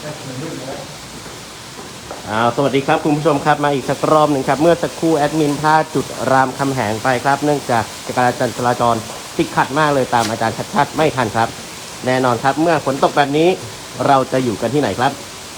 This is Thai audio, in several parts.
สวัสดีครับคุณผู้ชมครับมาอีกสักรอบหนึ่งครับเมื่อสักครู่แอดมินพลาดจุดรามคำแหงไปครับเนื่องจากการจราจรติดขัดมากเลยตามอาจารย์ชัดๆไม่ทันครับแน่นอนครับเมื่อฝนตกแบบนี้เราจะอยู่กันที่ไหนครับ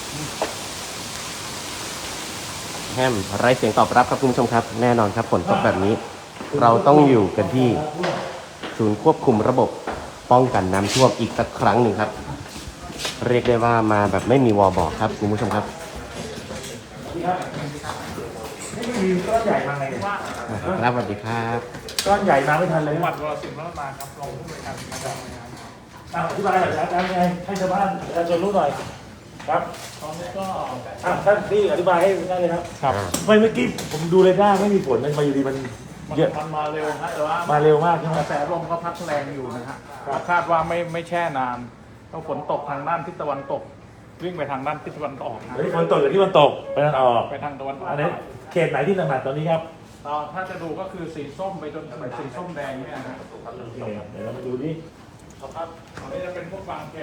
แฮมไร้เสียงตอบรับครับคุณผู้ชมครับแน่นอนครับฝนตกแบบนี้เราต้องอยู่กันที่ศูนย์ควบคุมระบบป้องกันน้ำท่วมอีกสักครั้งหนึ่งครับเรียกได้ว่ามาแบบไม่มีวอบอกครับคุณผู้ชมครับมีก้อนใหญ่มาไงเนี่ยครับสวัสดีครับก้อนใหญ่มาไม่ทันเลยจังหวัดวรสิงห์มาครับรองผู้บริการมาจากอธิบายหน่อยอาจารย์ไงให้ชาวบ้านประชาชนรู้หน่อยครับตอนนี้ก็ท่านพี่อธิบายให้ได้เลยครับครับไม่เมื่อกี้ผมดูเลยได้ไม่มีฝนมันมาอยู่ดีมันเยอะมันมาเร็วฮะแต่ว่ามาเร็วมากใช่ไหมกระแสลมก็พัดแรงอยู่นะฮะคาดว่าไม่แช่นานต้องฝนตกทางด้านทิศตะวันตกวิ่งไปทางด้านทิศตะวันออกนะเฮ้ยฝนตกจากที่มันตกไปทางออกไปทางตะวันออกอันนี้เขตไหนที่หนักๆตอนนี้ครับถ้าจะดูก็คือสีส้มไปจนถึงสีส้มแดงเนี่ยนะเดี๋ยวเรามาดูดิครับตอนนี้จะเป็นพวกบางแค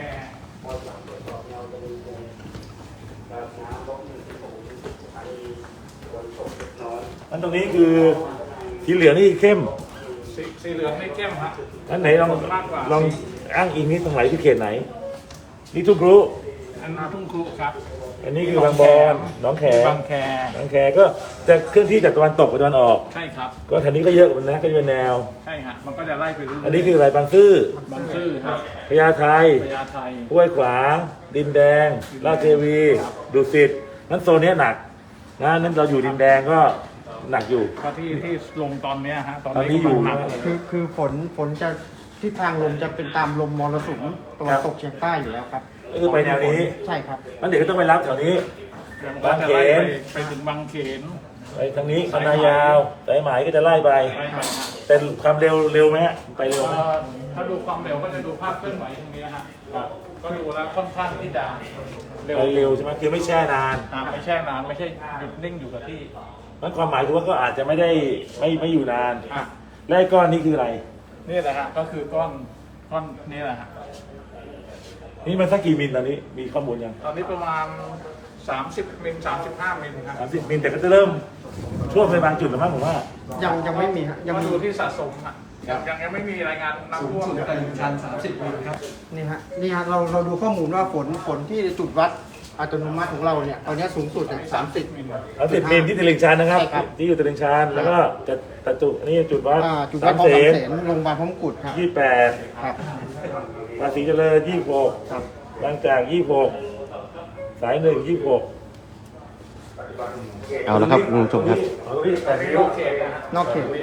อันตรงนี้คือสีเหลืองนี่เข้มสีเหลืองไม่เข้มฮะอันไหนลองอ้างอิงนี้ตรงไหนที่เขตไหนนี่ทุกรู้อันนี้ทุ่งครุครับอันนี้คือบางบอนหนองแขบางแคก็จะเคลื่อนที่จากตะวันตกไปตะวันออกใช่ครับก็แถวนี้ก็เยอะเหมือนนะก็จะเป็นแนวใช่ฮะมันก็จะไล่ไปเรื่อยๆอันนี้คืออะไรบางซื่อบางซื่อครับพญาไทห้วยขวางดินแดงราชเทวีดุสิตนั้นโซนนี้หนักนะนั้นเราอยู่ดินแดงก็หนักอยู่ก็ที่ลงตอนนี้ฮะตอนนี้อยู่หนักคือฝนจะทิศทางลมจะเป็นตามลมมรสุมตะวันตกเฉียงใต้อยู่แล้วครับคือไปแนวนี้ใช่ครับนั้นเด็กก็ต้องไปรับแถวนี้บางเขนไปถึงบางเขนไปทางนี้คณะยาวสายไหมก็จะไล่ไปแต่ความเร็วไหมฮะไปเร็วไหมถ้าดูความเร็วก็จะดูภาพเคลื่อนไหวตรงนี้ฮะก็ดูแล้วค่อนข้างที่จะเร็วใช่ไหมคือไม่แช่นานไม่แช่นานไม่ใช่หยุดนิ่งอยู่กับที่นั่นความหมายคือว่าก็อาจจะไม่ได้ไม่อยู่นานและก้อนนี้คืออะไรนี่แหละฮะก็คือก้อนนี่แหละฮะนี่มันสักกี่มิลตอนนี้มีข้อมูลยังตอนนี้ประมาณ30 มิล 35 มิลครับ 30 มิลแต่ก็จะเริ่มท่วมในบางจุดแล้วมั้งผมว่ายังไม่มีฮะยังดูที่สะสมฮะยังไม่มีรายงานน้ำท่วมตลิ่งชัน30 มิลครับนี่ฮะเราดูข้อมูลว่าฝนที่จุดวัดอัตโนมัติของเราเนี่ยตอนนี้สูงสุดเนี่ย30 มิลมิลที่ตลิ่งชันนะครับที่อยู่ตลิ่งชันแล้วก็จะจุดนี่จุดวัดจุดวัดบางเสนโรงพยาบาลพร้อมกุฎครับ 28ครับภาษีเจริญ26ครับบางจาก26สาย1 26 เอาละครับคุณผู้ชมครับนอกเขต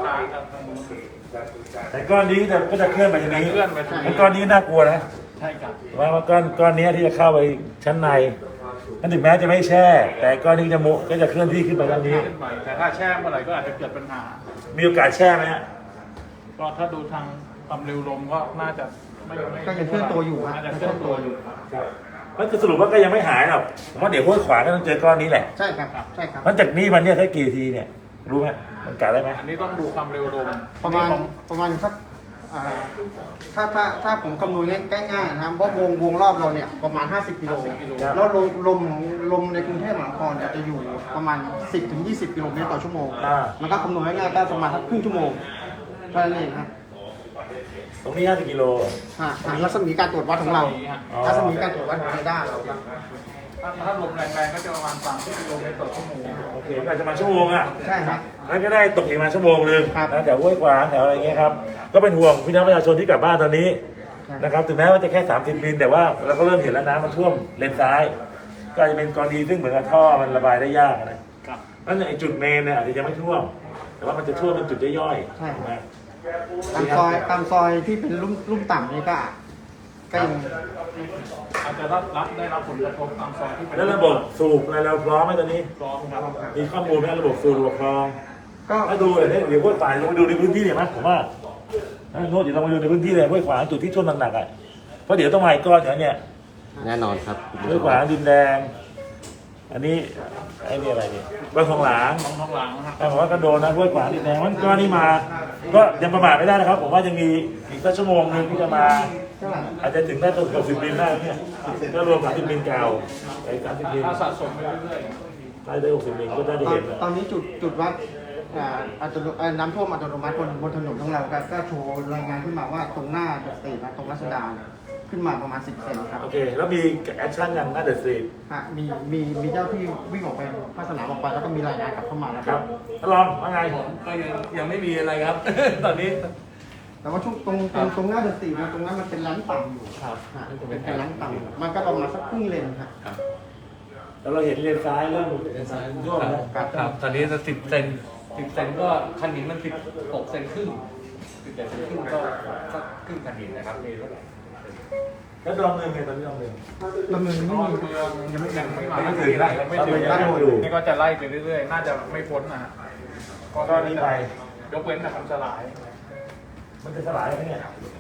แต่ก้อนนี้ก็จะเคลื่อนไปทางนี้ก้อนนี้น่ากลัวนะใช่ครับว่าก้อนนี้ที่จะเข้าไปชั้นในนั่นถึงแม้จะไม่แช่แต่ก้อนนี้ก็จะเคลื่อนที่ขึ้นไปทางนี้แต่ถ้าแช่เมื่อไหร่ก็อาจจะเกิดปัญหามีโอกาสแช่ไหมฮะก็ถ้าดูทางความเร็วลมก็น่าจะก็ยังเคลื่อนตัวอยู่น่าจะเคลื่อนตัวอยู่มันจะสรุปว่าก็ยังไม่หายหรอกผมว่าเดี๋ยวห้วยขวางก็ต้องเจอก้อนนี้แหละใช่ครับใช่ครับมันจากนี้มันเนี่ยถ้ากี่ทีเนี่ยรู้ไหมมันกะได้ไหมอันนี้ต้องดูความเร็วลมประมาณสักถ้าผมคำนวณง่ายๆนะครับเพราะวงรอบเราเนี่ยประมาณ50 กิโลแล้วลมในกรุงเทพมหานครจะอยู่ประมาณ10-20 กิโลเมตรต่อชั่วโมงมันก็คำนวณง่ายๆก็ประมาณสักครึ่งชั่วโมงเท่านั้นเองครับตรงนี้50 กิโลรัศมีการตรวจวัดของเรารัศมีการตรวจวัดของเรดาร์เราครับถ้าลมแรงๆก็จะประมาณ30 กิโลเมตรต่อชั่วโมงโอเคก็จะมาชั่วโมงอ่ะใช่ครับแล้วก็ได้ตกอีกมาชั่วโมงนึงนะแถวห้วยขวางแถวอะไรเงี้ยครับก็เป็นห่วงพี่น้องประชาชนที่กลับบ้านตอนนี้นะครับถึงแม้ว่าจะแค่30 มิลแต่ว่าเราก็เริ่มเห็นแล้วน้ำมันท่วมเลนซ้ายก็จะเป็นกรณีซึ่งเหมือนกับท่อมันระบายได้ยากนะนั่นไอ้จุดเมนเนี่ยอาจจะยังไม่ท่วมแต่ว่ามันจะท่วมเป็นจุดย่อยๆใช่ไหมตามซอยที่เป็นลุ่มต่ำนี่ก็ยังอาจจะได้รับผลกระทบตามซอยที่เป็นแล้วระบบสูบอะไรเราพร้อมไหมตอนนี้พร้อมครับมีข้อมูลไหมระบบสูบระบบคลองก็ถ้าดูเลยเดี๋ยวห้วยขวางลงไปดูในพื้นที่เลยมั้ยผมว่าโน้ตเดี๋ยวเรามาดูในพื้นที่เลยห้วยขวางจุดที่ท่วมหนักๆอ่ะเพราะเดี๋ยวต้องมาอีกก้อนอย่างเนี้ยแน่นอนครับห้วยขวางดินแดงอันนี้ไอ้นี่อะไรนี่บางทองหลางครับผมว่าก็โดนนะห้วยขวางดินแดงมันก้อนนี้มาก็ยังประมาทไม่ได้นะครับผมว่ายังมีอีกสักชั่วโมงนึงที่จะมาท่าไหร่อาจจะถึงได้ตัว60 มิลได้เนี่ยถ้ารวม30 มิลเก่าไอ้30 มิลถ้าสะสมไปเรื่อยได้60 มิลก็ได้เห็นนะตอนนี้จุดวัดน้ำท่วมอัตโนมัติบนถนนของเราก็โชว์รายงานขึ้นมาว่าตรงหน้าเดอะสตรีทนะตรงรัชดาเนี่ยขึ้นมาประมาณ10 เซนครับโอเค แล้วมีแอคชั่นยังหน้าเดอะสตรีทฮะมีเจ้าที่วิ่งออกไปภาคสนามออกไปแล้วก็มีรายงานกลับเข้ามาแล้วครับลองว่าไงก็ยังไม่มีอะไรครับ ตอนนี้แต่ว่าช่วงตรงหน้าเดอะสตรีทตรงนั้นมันเป็นร้านต่ำอยู่ครับฮะเป็นร้านต่ำมันก็ประมาณสักครึ่งเลนครับแล้วเราเห็นเลนซ้ายเริ่มร่วมแล้วครับ ตอนนี้จะ10 เซนก็คันหินมัน16 เซนครึ่ง17 เซนครึ่งก็ครึ่งคันหินนะครับนี่แล้วแล้วลองเงินไงตอนนี้ลองเงินดำเนินๆไม่ก็มีเมืองยังไม่มาไม่ถึงนะไม่ถึงตั้งอยู่นี่ก็จะไล่ไปเรื่อยๆ น่าจะไม่พ้นนะฮะก็นี้ไปยกเว้นแต่คำสลายมันจะสลายไหมเนี่ย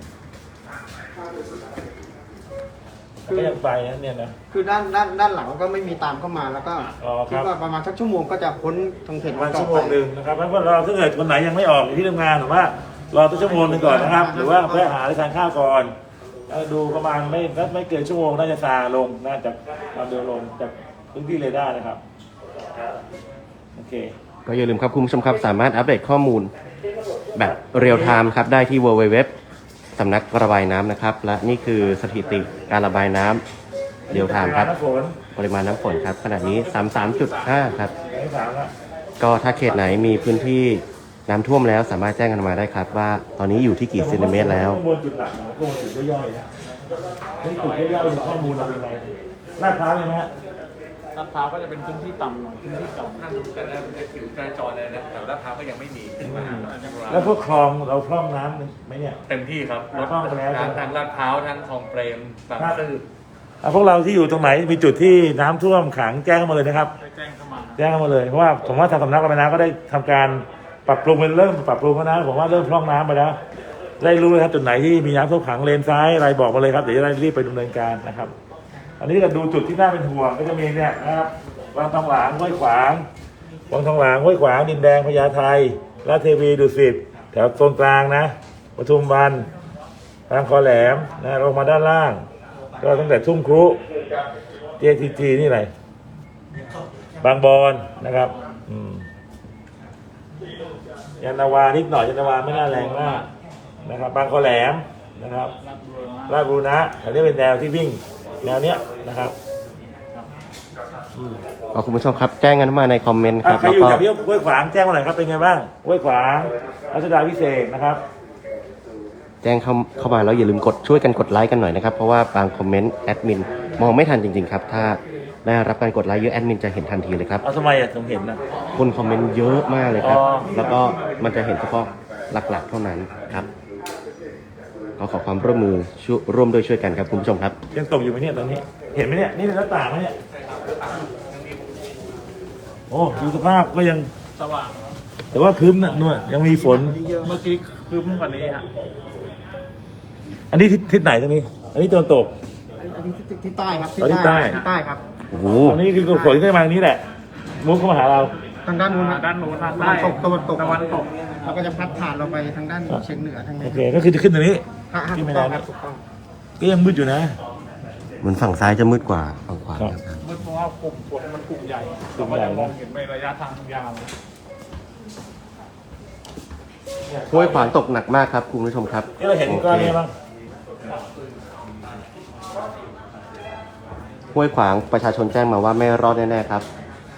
ก็ยังไปนะเนี่ยนะคือด้านหลังก็ไม่มีตามเข้ามาแล้วก็อ๋อครับคิดว่าประมาณสักชั่วโมงก็จะพ้นทางเขตประมาณชั่วโมงหนึ่งนะครับเพราะว่าเราถ้าเกิดคนไหนยังไม่ออกอยู่ที่ทำงานหรือว่ารอตั้งชั่วโมงหนึ่งก่อนนะครับ หรือว่าแวะหาอะไรทานข้าวก่อนดูประมาณไม่เกินชั่วโมงน่าจะซาลงน่าจะความเร็วลงจากพื้นที่เรดาร์นะครับโอเคก็อย่าลืมครับคุณผู้ชมครับสามารถอัปเดตข้อมูลแบบเรียลไทม์ครับได้ที่ www สำนักระบายน้ำนะครับ และนี่คือสถิติการระบายน้ำเรียลไทม์ครับน้ำฝนปริมาณน้ำฝนครับขณะนี้ 33.5 ครับไม่ถามละก็ถ้าเขตไหนมีพื้นที่น้ำท่วมแล้วสามารถแจ้งกันมาได้ครับว่าตอนนี้อยู่ที่กี่เซนติเมตรแล้วข้อมูลจุดหลักนะข้อมูลจุดย่อยๆนะนี่จุดย่อยๆข้อมูลเราเป็นไงลาดพร้าวเลยไหมฮะลาดพร้าวก็จะเป็นพื้นที่ต่ำหน่อยพื้นที่ต่ำถ้าดูกันนะมันจะผิวจราจรเลยนะแต่ลาดพร้าวก็ยังไม่มีแล้วพวกคลองเราพร่องน้ำไหมเนี่ยเต็มที่ครับรถพร่องไปแล้วทางลาดพร้าวทั้งคลองเปรมบางซื่อพวกเราที่อยู่ตรงไหนมีจุดที่น้ำท่วมขังแจ้งเข้ามาเลยนะครับได้แจ้งเข้ามาแจ้งเข้ามาเลยเพราะว่าผมว่าทางสำนักระบายน้ำก็ได้ทำการปรับปรุงเป็นเริ่มปรับปรุงแล้วนะผมว่าเริ่มพร่องน้ำไปแล้วได้รู้เลยครับจุดไหนที่มีน้ำท่วมขังเลนซ้ายอะไรบอกมาเลยครับเดี๋ยวจะได้รีบไปดำเนินการนะครับ อันนี้จะดูจุดที่น่าเป็นห่วงก็จะมีเนี่ยนะครับวังทองหลางห้วยขวางวังทองหลางห้วยขวางดินแดงพญาไทราชเทวีดุสิตแถวโซนกลางนะปทุมวันทางคอแหลมนะลงมาด้านล่างก็ตั้งแต่ทุ่งครุJTG นี่อะไรบางบอนนะครับยานนาวานิดหน่อยยานนาวาไม่น่าแรงมากนะครับบางคอแหลมนะครับราชบุรณะอันนี้เป็นแนวที่วิ่งแนวเนี้ยนะครับก็คุณผู้ชมครับแจ้งกันมาในคอมเมนต์ครับใครแล้วอยู่ก็แถวที่ห้วยขวางแจ้งมาหน่อยครับเป็นไงบ้างห้วยขวางรัชดาพิเศษนะครับแจ้งเข้ามาแล้วอย่าลืมช่วยกันกดไลค์กันหน่อยนะครับเพราะว่าบางคอมเมนต์แอดมินมองไม่ทันจริงๆครับถ้าได้รับการกดไลค์เยอะแอดมินจะเห็นทันทีเลยครับเอาทำไมอ่ะผมเห็นนะคนคอมเมนต์เยอะมากเลยครับอ๋อแล้วก็มันจะเห็นเฉพาะหลักๆเท่านั้นครับก็ขอความร่วมมือร่วมด้วยช่วยกันครับคุณผู้ชมครับยังตกอยู่ไหมเนี่ยตอนนี้ เห็นไหมเนี่ยนี่เป็นหน้าต่างไหมเนี่ยโอ้ดูสภาพก็ยังสว่างแต่ว่าครึ้มนะนู่นยังมีฝนเมื่อกี้คืบกว่านี้ฮะอันนี้ทิศไหนตรงนี้ อันนี้ตะวันตกอันนี้ที่ใต้ครับอ๋อที่ใต้ที่ใต้ครับโอ้โหตรงนี้คือฝนที่มาทางนี้แหละมุกเข้ามาหาเราทางด้านนู้นครับด้านโน้นทางตะใต้วันตกตะวันตกแล้วก็จะพัดผ่านเราไปทางด้านเฉียงเหนือทางนี้โอเคก็คือจะขึ้นตรงนี้ฮะขึ้นถูไม่กได้ต้องคนะรับถูกต้องก็ยังมืดอยู่นะเหมือนฝั่งซ้ายจะมืดกว่าฝั่งขวาครับมืดเพราะว่ากลุ่มฝนมันกลุ่มใหญ่กลุ่เรามก็ใหญ่จะมองเห็นไประยะทางยาวห้วยขวางตกหนักมากครับคุณผู้ชมครับที่เราเห็นก้อนนี้บ้างห้วยขวางประชาชนแจ้งมาว่าไม่รอดแน่ๆครับ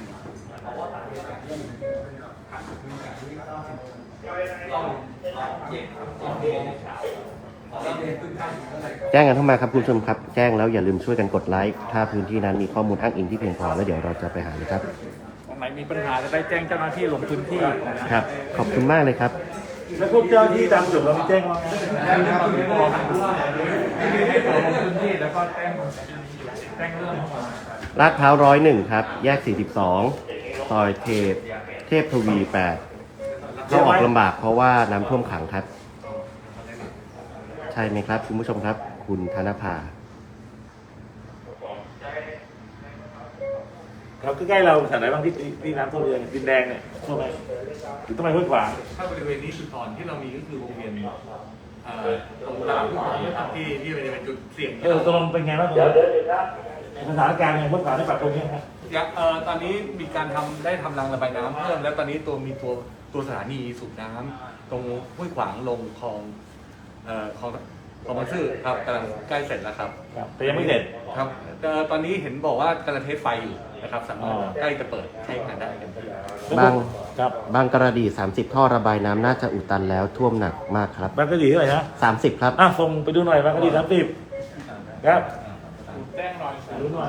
แจ้งกันเข้ามาครับคุณผู้ชมครับแจ้งแล้วอย่าลืมช่วยกันกดไลค์ถ้าพื้นที่นั้นมีข้อมูลอ้างอิงที่เพียงพอแล้วเดี๋ยวเราจะไปหาเลยครับตรงไหนมีปัญหาจะได้แจ้งเจ้าหน้าที่ลงพื้นที่นะครับขอบคุณมากเลยครับแล้วพวกเจ้าที่ตามจุดเรามีแจ้งมาไหมลงพื้นที่แล้วก็แจ้งเรื่องเข้ามาลาดพร้าว101 ครับ แยก 42 ซอยเทพทวี 8 เข้าออกลำบากเพราะว่าน้ำท่วมขังครับ ใช่ไหมครับคุณผู้ชมครับ คุณธนภาครับใกล้ๆเราแถวไหนบ้างที่น้ำท่วมเยอะดินแดงเนี่ยท่วมไหมหรือต้องไปห้วยขวางถ้าบริเวณนี้จุดอ่อนที่เรามีก็คือวงเวียนตรงตลาดผู้คนนะครับที่เป็นจุดเสี่ยงตกลงเป็นไงบ้างตรงนี้สถานการณ์ไงเมื่อก่อนได้ปรับตรงนี้ครับตอนนี้มีการได้ทำรางระบายน้ำเพิ่มแล้วตอนนี้มีตัวสถานีสูบน้ำตรงห้วยขวางลงคลองบางซื่อครับกำลังใกล้เสร็จแล้วครับแต่ยังไม่เสร็จครับตอนนี้เห็นบอกว่ากำลังเทสไฟอยู่นะครับสามารถใกล้จะเปิดใช้งานได้กันครับบางกระดี 30 ท่อระบายน้ำน่าจะอุดตันแล้วท่วมหนักมากครับบางกะดีเท่าไหร่นะ 30 ครับส่งไปดูหน่อยบางกะดี30ครับแจ้งหน่อยดูหน่อย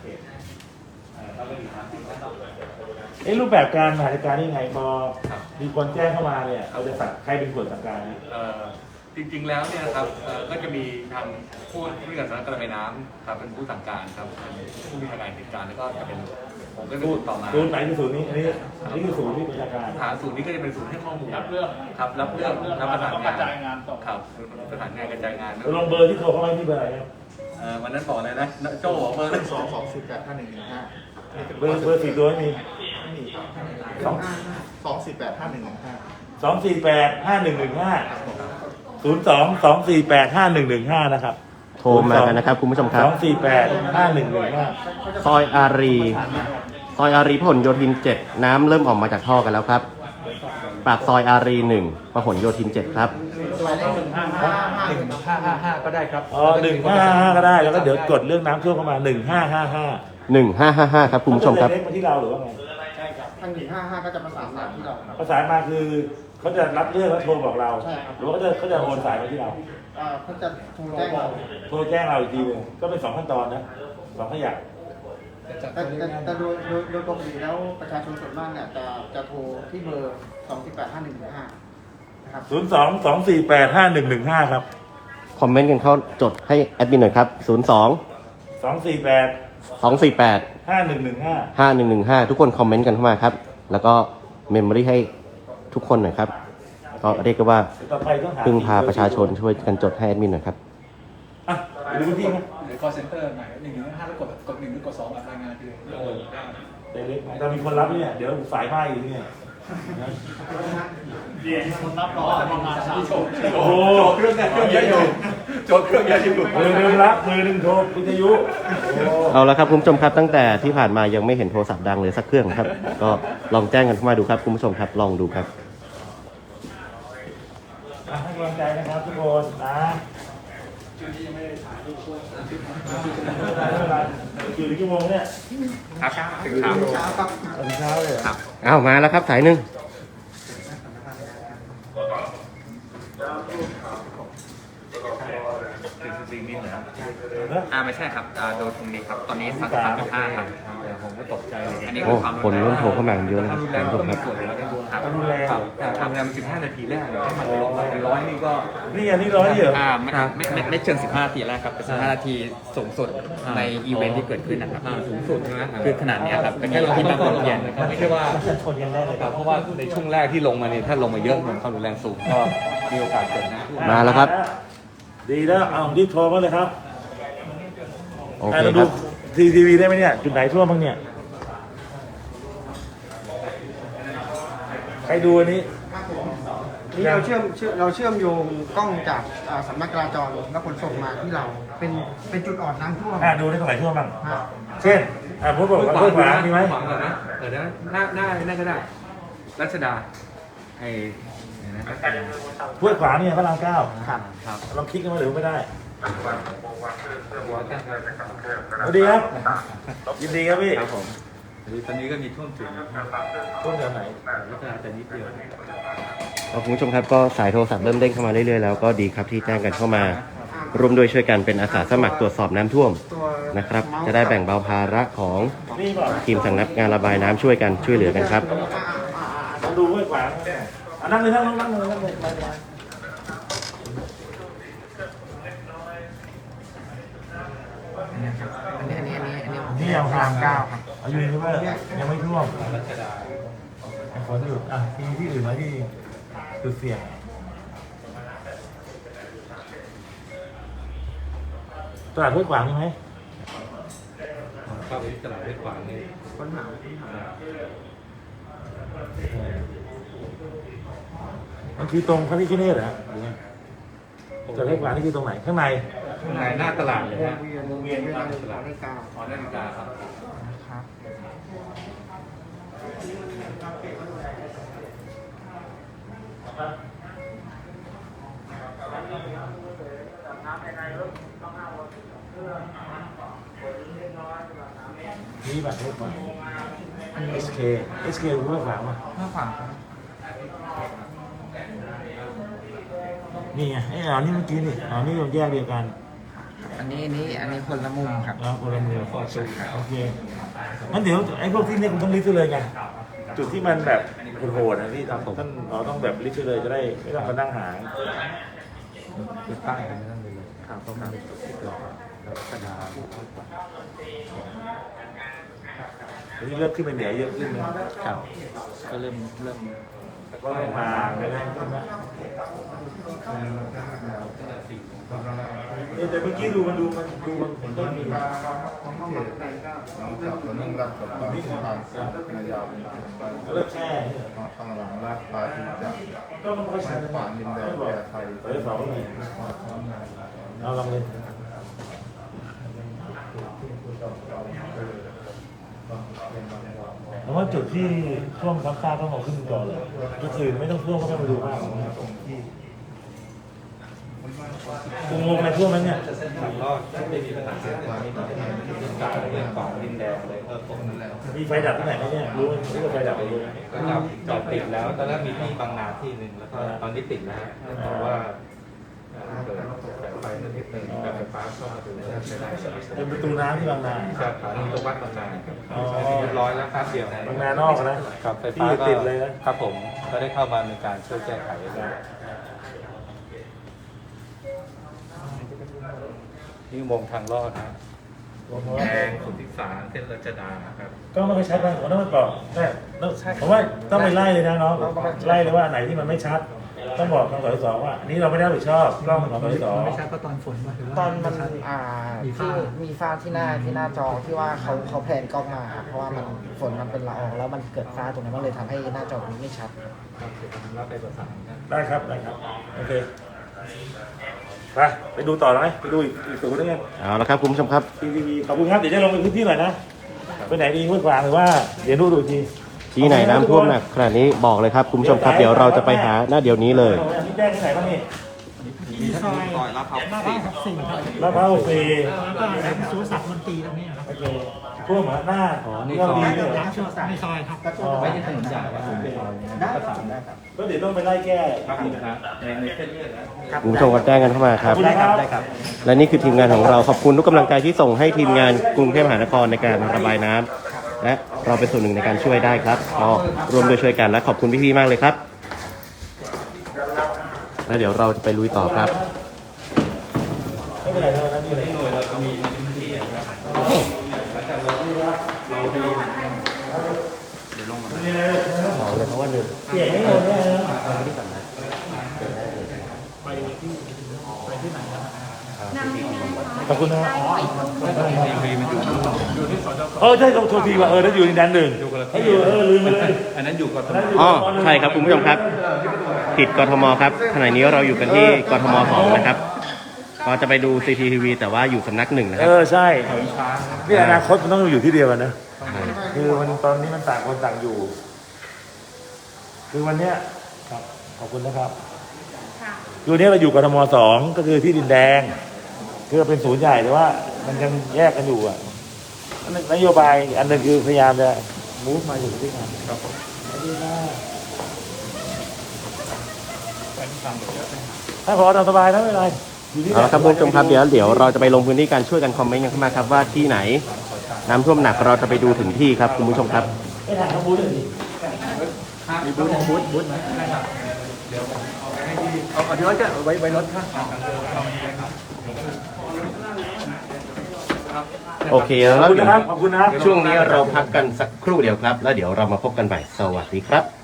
รูปแบบการบริหารจัดการนี่ไงพอมีคนแจ้งเข้ามาเนี่ยเราจะสั่งใครเป็นคนสั่งการนี่จริงๆแล้วเนี่ยนะครับก็จะมีทางผู้บริการสำนักการระบายน้ำครับเป็นผู้สั่งการครับผู้มีการเหตุการณ์แล้วก็จะเป็นผมก็จะติดต่อมาศูนย์ไหนคือศูนย์นี้อันนี้คือศูนย์ที่ประชาการฐานศูนย์นี้ก็จะเป็นศูนย์ให้ข้อมูลรับเรื่องครับรับเรื่องรับประสานกงาระนจายงานต่อครับประสานงานกระจายงานลงเบอร์ที่โทรเข้ามาที่เบอร์อะไรครับวันนั้นบอกเลยนะโจ้บอกเบอร์นั้นเบอร์4ตัวไม่มี2485115 นะครับโทรมากันนะครับคุณผู้ชมครับ 2485115 ซอยอารีพหลโยธิน 7 น้ำเริ่มออกมาจากท่อกันแล้วครับ ปากซอยอารี 1 พหลโยธิน 7 ครับหมายเลข 1555 1555 ก็ได้ครับ 155ก็ได้แล้วก็เดี๋ยวกดเรื่องน้ำท่วมเข้ามา1555 1555 ครับคุณผู้ชมครับเล็กมาที่เราหรือว่าไงทาง155ก็จะประสานมาที่เราประสานมาคือเขาจะรับเรื่องแล้วโทรบอกเราใช่ครับหรือว่าเขาจะโอนสายมาที่เราเขาจะโทรแจ้งเราโทรแจ้งเราอีกทีหนึงก็เป็น2ขั้นตอนนะ2ขยักแต่โดยปกติแล้วประชาชนส่วนมากเนี่ยจะโทรที่เบอร์ 2485115 นะครับ 02-248-5115 ครับคอมเมนต์กันเข้าจดให้แอดมินหน่อยครับ 248 02-248 5115 5115 ทุกคนคอมเมนต์กันเข้ามาครับ แล้วก็เมมโมรี่ให้ทุกคนหน่อยครับ ก็เรียกว่าต่อไปต้องหาพึ่งพาประชาชนช่วยกันจดให้แอดมินหน่อยครับไปดูพื้นที่ไหมหรือ call center ไหน115แล้วกด1หรือกด2รายงานคือเล็กๆแต่มีคนรับเนี่ยเดี๋ยวสายไหม้อยู่เนี่ยเรียนคนรับรองจะประมาณ3 ชั่วโมงโอ้โหเครื่องเยอะอยู่โจทย์เครื่องเยอะอยู่มือหนึ่งรับมือหนึ่งโทรวิทยุโอ้เอาละครับคุณผู้ชมครับตั้งแต่ที่ผ่านมายังไม่เห็นโทรศัพท์ดังเลยสักเครื่องครับ ก็ลองแจ้งกันเข้ามาดูครับคุณผู้ชมครับลองดูครับให้กำลังใจนะครับทุกคนนะอยู่ในกี่โมงเนี่ยครับถึงเช้าเช้าครับตอนเช้าเลยครับเอามาแล้วครับสายหนึ่งจริงๆนี่เหรอนะไม่ใช่ครับโดนตรงนี้ครับตอนนี้33.5ครับผมก็ตกใจอันนี้โอ้คือความคนเริ่มโทรเข้ามากันเยอะแล้วรุนคแรรับงคุณก็ผู้ชมมีครับส่วนแล้วด้วยครับรุนแรงแต่ทำงาน15 นาทีแรกเนี่ยให้มันลงมาเป็น100นี่ก็นี่อันนี้ร้อยเดียวไม่เชิง15 นาทีแรกครับเป็น15 นาทีสูงสุดในอีเวนท์ที่เกิดขึ้นนะครับสูงสุดใช่ไหมคือขนาดเนี้ยครับเป็นที่ตั้งความเย็นนะครับไม่ใช่ว่าชนกันได้เลยครับเพราะว่าในช่วงแรกที่ลงมาเนี่ยถ้าลงมาเยอะเหมือนความรุนแรงสูงก็มีโอกาสเกิดนะมาแล้วครับดีแล้วเอารีบโทรมาเลยครับโอเคเราคดูรับทีวีได้ไหมเนี่ยจุดไหนท่วมบ้างเนี่ยใครดูอันนี้นี่เราเชื่อมโยงกล้องจากสำนักจราจรและขนส่งมาที่เราเป็นจุดอ่อนน้ำท่วมดูได้ตรงไหนท่วมบ้างครับเช่นพูดบอกว่าขวามีไหมขวางก่อนนะน่าก็ได้รัชดาไอ้นะห้วยขวางเนี่ยพระราม 9 ครับครับลองคลิกกันมาหรือไม่ได้สวัสดีครับยินดีครับพี่ครับผมตอนนี้ก็มีท่วมถึงท่วมแถวไหนรัชดาแต่นิดเดียวคุณผู้ชมครับก็สายโทรศัพท์เริ่มเด้งเข้ามาเรื่อยๆแล้วก็ดีครับที่แจ้งกันเข้ามาร่วมด้วยช่วยกันเป็นอาสาสมัครตรวจสอบน้ำท่วมตัวนะครับ จะได้แบ่งเบาภาระของนี่เปล่าทีมสำนักงานระบายน้ำช่วยกันช่วยเหลือกันครับดูห้วยขวางนั่งเลยนี่ยังพราม9ครับอายุนี่ว่ายังไม่ท่วมฝนหยุดที่อื่นไหมที่จุดเสี่ยงตลาดห้วยขวางมีไหมเข้าไปตลาดเพชรขวางนี่ค้นหามันคือตรงพระพิฆเนศเหรอจอดห้วยขวางนี่คือตรงไหนข้างในข้างในหน้าตลาดเลยฮะวงเวียนด้วยนาฬิกาหอนาฬิกาครับครับนี่บัตรห้วยขวาง SK รู้ห้วยขวางป่ะห้าขวางครับนี่ไงไอ้อ๋อนี่เมื่อกี้นี่อ๋อนี่แยกเดียวกันอันนี้คนละมุมครับแล้วคนละมือโอเคงั้นเดี๋ยวไอ้พวกที่เนี่ยคุณต้องลิสต์ไปเลยไงจุดที่มันแบบโหดๆนะที่ท่านเราต้องแบบลิสต์ไปเลยจะได้ไม่ต้องมานั่งหาคือใต้กันนั่นเลยครับต้องมีจุดที่รอแล้วก็ดาอันนี้เริ่มขึ้นไปเหนือเยอะขึ้นนะครับก็เริ่มก็ลงมาเลยนะแต่เมื่อกี้ดูมันเห็นต้นมีนึ่งรักกับปลาที่ทางเส้นนายาวเริ่มแช่ทางหลังลาดปลาที่จะก็มันก็ใช้ป่าดินแดงแก่ไทยเปิดสองเลยเอาลองเลยเพราะว่าจุดที่ช่วงซ้ำซากต้องเอาขึ้นก่อนเลยก็คือไม่ต้องท่วมก็ไม่มาดูมากงงในท่วมนั้นเนี่ยรอดไม่มีปัญหาเสียงนี้เป็นการเรื่องของดินแดงเลยผมนั่นแหละมีไฟดับที่ไหนไหมเนี่ยรู้ว่าไฟดับไปรู้ไหมก็จอดติดแล้วตอนแรกมีที่บางนาที่หนึ่งแล้วก็ตอนนี้ติดแล้วเพราะว่าเกิดสายไฟนิดนึงแบบไฟฟ้าเข้ามาถึงแล้วใช้ได้เป็นประตูน้ำที่บางนาครับฐานีตรงวัดบางนาเรียบร้อยแล้วครับเดียวบางนานอกนะครับไฟฟ้าก็ติดเลยนะครับผมก็ได้เข้ามาในการช่วยแก้ไขแล้วนี่อุโมงค์ทางลอดนะแดงสุทธิสารเส้นรัชดาครับก็ไม่ค่อยชัดนะผมต้องมาบอกแต่ผมว่าต้องไปไล่เลยนะน้องไล่เลยว่าไหนที่มันไม่ชัด ต้องบอกทางสสว่านี่เราไม่ได้รับผิดชอบกล้องของสสไม่ชัดก็ตอนฝนมาถือว่าตอนมันมีที่ฝ้ามีฝ้าที่หน้าจอที่ว่าเขาแพลนกล้องมาครับเพราะว่ามันฝนมันเป็นละอองแล้วมันเกิดฝ้าตรงนั้นมันเลยทำให้หน้าจอมันไม่ชัดครับรับไปประสานกันได้ครับโอเคไปดูต่อไหมไปดูอีกศูนย์นึงเอาละครับคุณผู้ชมครับทีวีขอบคุณครับเดี๋ยวจะลงไปพื้นที่หน่อยนะไปไหนดีห้วยขวางหรือว่าเดี๋ยวดูอีกทีที่ไหนน้ำท่วมหนักขนาดนี้บอกเลยครับคุณผู้ชมครับเดี๋ยวเราจะไปหาหน้าเดี๋ยวนี้เลยนี่แจ้งที่ไหนบ้างนี่ที่ซอยลาดพร้าว4ครับลาดพร้าว4 แล้วก็สุรศักดิ์มนตรีตรงนี้ครับโอเคท่วมเหรอหน้านี่ก็ดีเลยร้านสุรศักดิ์ในซอยครับไม่ได้ถนนใหญ่ว่าผมประสานได้ครับก็เดี๋ยวต้องไปไล่แก้ครับในเส้นเลือดนะคุณผู้ชมก็แจ้งกันเข้ามาครับได้ครับและนี่คือทีมงานของเราขอบคุณทุกกำลังใจที่ส่งให้ทีมงานกรุงเทพมหานครในการระบายน้ำและเราเป็นส่วนหนึ่งในการช่วยได้ครับก็ร่วมด้วยช่วยกันและขอบคุณพี่ๆมากเลยครับแล้วเดี๋ยวเราจะไปลุยต่อครับไม่เป็นไรเท่านั้นนี่เลยหน่วยเราจะมีพื้นที่นะครับหลังจากเราไปเสียงไม่โดนแน่นะขอบคุณนะใช่โทษทีว่านั่นอยู่ในดันหนึ่งเขาอยู่ลืมไปเลยอันนั้นอยู่กับอ๋อใช่ครับคุณผู้ชมครับผิดกทมครับขณะนี้เราอยู่กันที่กทม2นะครับก็จะไปดู CCTV แต่ว่าอยู่สำนักหนึ่งนะครับใช่นี่อนาคตมันต้องอยู่ที่เดียวกันนะคือมันตอนนี้มันต่างคนต่างอยู่ คือวันเนี้ยครับขอบคุณนะครับคือวันนี้เราอยู่กทม2ก็คือที่ดินแดงคือเป็นศูนย์ใหญ่แต่ว่ามันยังแยกกันอยู่อ่ะนโยบายอันนึงคือพยายามจะมูฟมาอยู่ที่งานครับถ้าพอตามสบายนะไม่เป็นไรอยู่ที่เอาละครับคุณผู้ชมครับเดี๋ยวเราจะไปลงพื้นที่การช่วยกันคอมเมนต์กันเข้ามาครับว่าที่ไหนน้ำท่วมหนักเราจะไปดูถึงที่ครับคุณผู้ชมครับไม่ถ่ายเขาบูธเลยดิมีบูธไหมเดี๋ยวเอาที่รถก็ไว้รถค่ะโอเคขแล้อบวคุณนะครับขอบคุณนะช่วงนี้เราพักกันสักครู่เดียวครับ แล้วเดี๋ยวเรามาพบกันใหม่สวัสดีครับ